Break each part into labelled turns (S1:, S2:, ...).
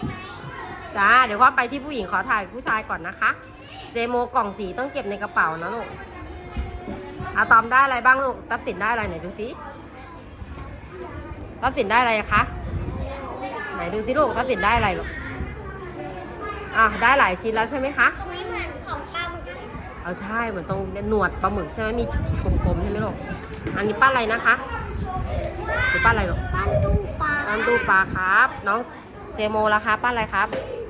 S1: จ้าเดี๋ยวว่าไปที่ผู้หญิงขอถ่ายผู้ชายก่อนนะคะเจโมกล่องสีต้องเก็บในกระเป๋านะลูกอะตอมได้อะไรบ้างลูกตับสินได้อะไรไหนดูสิตับสินได้อะไรคะไหนดูสิลูกตับสินได้อะไรลูกได้หลายชิ้นแล้วใช่ไหมคะ
S2: ไม่เหมือนของปลาหมึก
S1: เอาใช่เหมือนตรงหนวดปลาหมึกใช่ไหมมีกลมๆใช่ไหมลูกอันนี้ป้าอะไรนะคะหรือป้าอะไรลูก
S2: ปั้นตู้ปลา
S1: ปั้นตู้ปลาครับน้องเจโมล่ะคะป้าอะไรครับ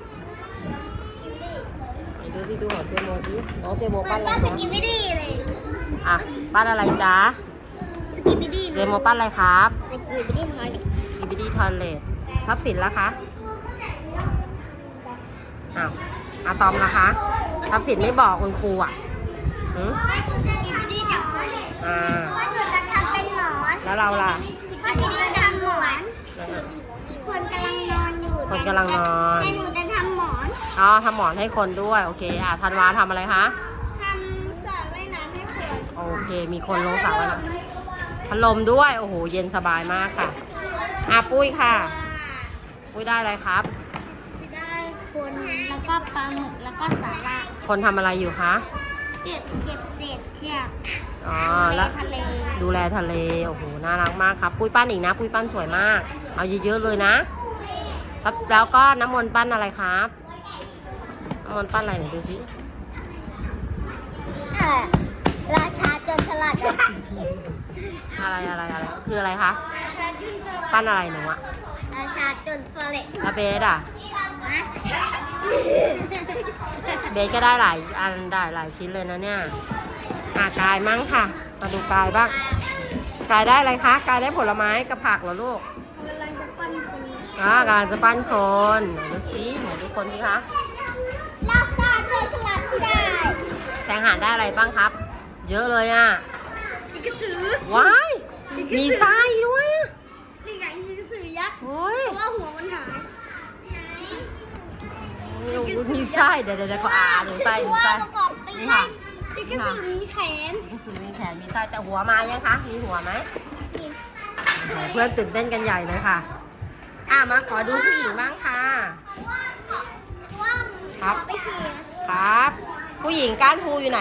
S1: ดูสิดูของเจโมดิน้องเจโมปั้นอะไร
S2: สกิปไม่ดีเลย
S1: ปั้นอะไรจ๊ะ
S2: สกิปไม่ดี
S1: เจโมปั้นอะไรครับ
S2: สกิปไม่ดีทอย
S1: สกิปปี้ทอยเลททรัพย์สินล่ะคะอะตอมล่ะคะทรัพย์สินไม่บอกคุณครู
S2: สกิปไม่ดีจับคนว่าหนูจะทำเป็นหมอน
S1: แล้วเราล่ะ
S2: สกิปไม่ดีทำหมอนคนกำลังนอนอยู่
S1: คนกำลังนอน
S2: แต่หนูจะทำหมอน
S1: ทำหมอนให้คนด้วยโอเคธันวาทำอะไรคะ
S2: ทำสระว่ายน้ำให้คน
S1: โอเคมีคนลงสระว่ายน้ำพัดลมด้วยโอ้โหเย็นสบายมากค่ะปุ้ยค่ะปุ้ยได้อะไรครับ
S2: ได้คนแล้วก็ปลาหมึกแล้วก็สาหร่าย
S1: คนทำอะไรอยู่คะ
S2: เก็บเศษเทียบ
S1: แล้วดูแลทะเลโอ้โหน่ารักมากครับปุ้ยปั้นอีกนะปุ้ยปั้นสวยมากเอาเยอะๆเลยนะแล้วก็น้ำมนต์ปั้นอะไรครับน้ำมนต์ปั้นอะไรหน่อยดูสิ
S2: ราชาจนฉลาด
S1: อะไรคืออะไรคะปั้นอะไรหนูอะ
S2: ราชาจนสเลด
S1: แล้วเบสเบสก็ได้หลายอันได้หลายชิ้นเลยนะเนี่ยกายมั่งค่ะมาดูกายบ้างกายได้อะไรคะกายได้ผลไม้กับผักเหรอลูก
S2: กำลังจะปั้นคน
S1: กำลังจะปั้นคนไหนดูสิไหนดูคนสิคะ
S2: ราชาจนฉลาดที่ได้
S1: แสงหาได้อะไรบ้างครับเยอะเลย
S2: กระสือ
S1: ว้ายมีไส้ด้วย
S2: นี่ไงกระสือยักษ์เพราะว่าหัวมันหาย
S1: มีไส้เดี๋ยวก็ดูไส้นี่ค่ะ
S2: กระสือมีแขน
S1: มีไส้แต่หัวมายังคะมีหัวไหมเพื่อนตื่นเต้นกันใหญ่เลยค่ะมาขอดูผู้หญิงบ้างค่ะครับผู้หญิงก้านภูอยู่ไหน